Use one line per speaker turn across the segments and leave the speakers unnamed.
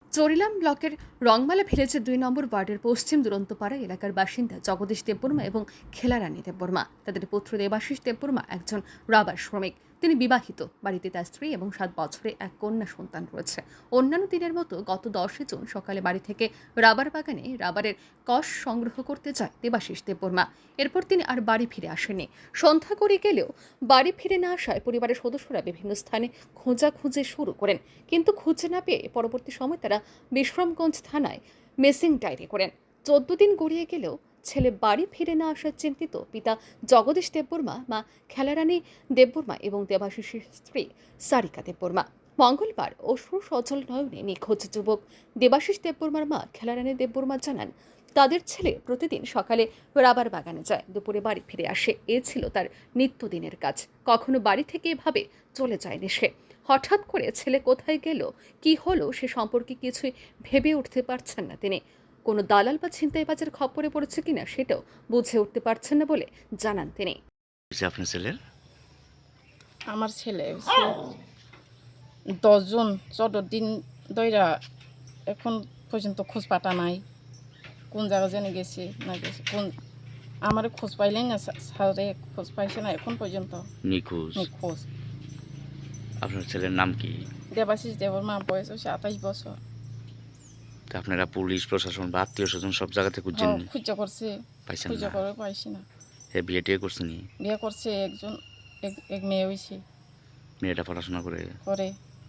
চরিলাম ব্লকের রংমালা ভিলেজের ২ নম্বর ওয়ার্ডের পশ্চিম দুরন্তপাড়া এলাকার বাসিন্দা জগদীশ দেববর্মা এবং খেলারানী দেববর্মা। তাদের পুত্র দেবাশিস দেববর্মা একজন রাবার শ্রমিক। তিনি বিবাহিত, বাড়িতে তার স্ত্রী এবং ৭ বছরে এক কন্যা সন্তান রয়েছে। অন্যান্য দিনের মতো গত ১০ জুন সকালে বাড়ি থেকে রাবার বাগানে রাবারের কষ সংগ্রহ করতে যায় দেবাশিস দেববর্মা। এরপর তিনি আর বাড়ি ফিরে আসেননি। সন্ধ্যা করে গেলেও বাড়ি ফিরে না আসায় পরিবারের সদস্যরা বিভিন্ন স্থানে খোঁজাখুঁজি শুরু করেন, কিন্তু খুঁজে না পেয়ে পরবর্তী সময় তারা বিশ্রামগঞ্জ থানায় মিসিং ডায়েরি করেন। ১৪ দিন গড়িয়ে গেলেও ছেলে বাড়ি ফিরে না আসার চিন্তিত পিতা জগদীশ দেববর্মা, মা খেলারানী দেববর্মা এবং দেবাশিসের স্ত্রী সারিকা দেববর্মা। মঙ্গলবার অশ্রু সজল নয়নে নিখোঁজ যুবক দেবাশিস দেববর্মার মা খেলারানী দেববর্মা জানান, তাদের ছেলে প্রতিদিন সকালে রাবার বাগানে যায়, দুপুরে বাড়ি ফিরে আসে। এ ছিল তার নিত্যদিনের কাজ। কখনো বাড়ি থেকে এভাবে চলে যায়নি সে। হঠাৎ করে ছেলে কোথায় গেল, কি হলো সে সম্পর্কে কিছুই ভেবে উঠতে পারছেন না তিনি। কোনো দালাল বা ছিনতাইবাজের খপ্পরে পড়েছে কিনা সেটাও বুঝে উঠতে পারছেন না বলে জানান তিনি।
আপনার ছেলের
আমার ছেলে ১০ জন ১৪ দিন ধইরা এখন পর্যন্ত খোঁজ পাতা নাই। কোন জায়গা জেনে গেছে না গেছে, কোন আমার খোঁজ পাইলেই না, স্যারে খোঁজ পাইছে না এখন পর্যন্ত।
নিখোঁজ।
খোঁজ
আপনার ছেলের নাম কি?
দেবাশিস দেববর্মা, বয়স হচ্ছে ২৮ বছর।
তা আপনারা পুলিশ প্রশাসন বা আত্মীয় স্বজন সব জায়গাতে খুঁজছেন নি?
খুঁজা করছে,
পাইছেন
খুঁজা
না?
করে পাইছি না।
হ্যাঁ, বিয়ে টিয়ে করছেন?
বিয়ে করছে একজন, এক মেয়ে হয়েছে।
মেয়েটা পড়াশোনা করে?
করে।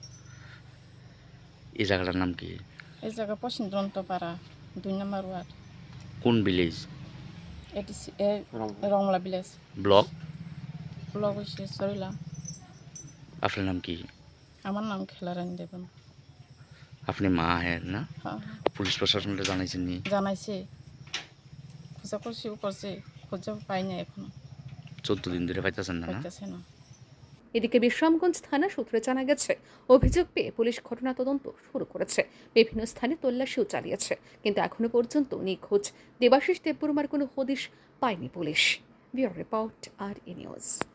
এই জায়গাটার নাম কি?
এই জায়গা পশ্চিম দুরন্তপাড়া ২ নম্বর ওয়ার্ড।
কোন ভিলেজ?
এটি রংলা ভিলেজ।
ব্লক?
ব্লক হচ্ছে চরিলাম।
আপনার নাম কি?
আমার নাম খেলারানী দেবন।
আপনি মা? হ্যাঁ না?
হ্যাঁ,
পুলিশ প্রশাসনটা জানাইছেন নি?
জানাইছে, খোঁজা করছেও করছে, খোঁজা পাই না এখনো,
১৪ দিন ধরে পাইতেছেন না?
পাইতেছে না।
এদিকে বিশ্রামগঞ্জ থানা সূত্রে জানা গেছে, অভিযোগ পেয়ে পুলিশ ঘটনা তদন্ত শুরু করেছে। বিভিন্ন স্থানে তল্লাশিও চালিয়েছে, কিন্তু এখনো পর্যন্ত নিখোঁজ দেবাশিস দেববর্মার কোনো হদিশ পায়নি পুলিশ। ব্যুরো রিপোর্ট, আর ই নিউজ।